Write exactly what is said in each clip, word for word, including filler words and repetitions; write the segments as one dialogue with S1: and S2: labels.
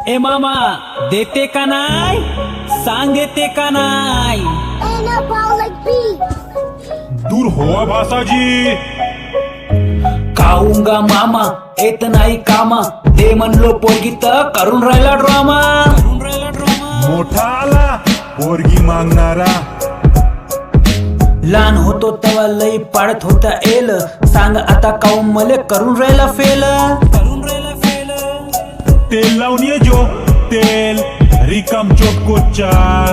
S1: ए मामा देते का नाय सांग देते का नाय
S2: दूर होवा भासाजी
S1: खाऊंगा मामा येत नाही कामा दे म्हणलो पोरगी तर करून राहिला ड्रामा
S2: मोठा आला पोरगी मागणारा
S1: लहान होतो तेव्हा लई पाडत होता एल सांग आता काऊन मले करून राहिला फेल करून राहिला फेल
S2: तेल लावून ये जो तेल रिकाम चोटकोच्या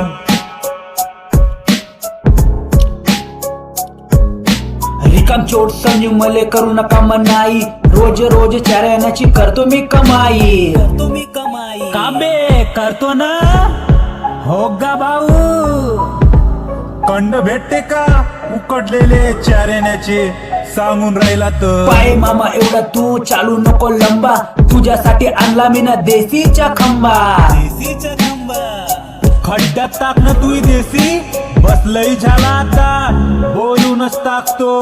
S1: रिकाम चोट समजू मले करू नका मनाई रोज रोज चारण्याची करतो मी कमाई करतो मी कमाई काबे करतो ना हो गा भाऊ
S2: कंड भेटते का उकडलेले चारेण्याचे सांगून राहिला तर
S1: पाय मामा एवढा तू चालू नको लंबा तुझ्यासाठी आणला मी ना देसीचा खंबा देसीचा खंबा
S2: खड्ड्यात टाक ना तू देसी बसलई झाला आता बोलूनच टाकतो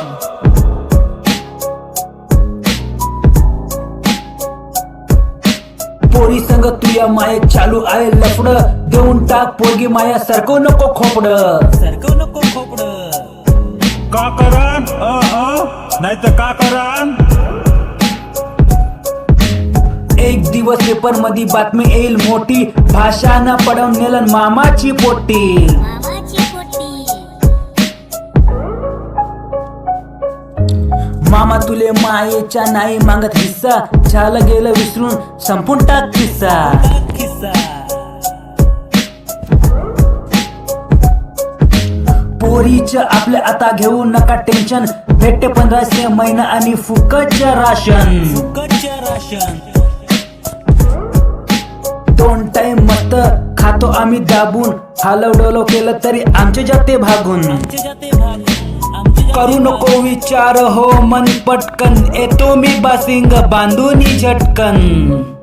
S1: पोरी संग तुया माये चालू आहे लफड देऊन टाक पोरगी माया सरकव नको खोपड सरकव नको खोपड
S2: का करान नाही तर का करान
S1: एक दिवस पेपर मध्ये बातमी येईल मोठी भाषानं पडवून नेलन मामाची पोटी मामा तुले मायेच्या नाही मागत हिस्सा झालं गेलं विसरून संपून टाक किस्सा पोरीच आपल्या आता घेऊ नका टेन्शन भेटते पंधराशे महिना आणि फुकटचं राशन फुकटचं राशन दोन टाइम मस्त खातो आम्ही दाबून हालव डोलव केलं तरी आमचे जाते भागून करू नको विचार हो मन पटकन येतो मी बासिंग बांधून झटकन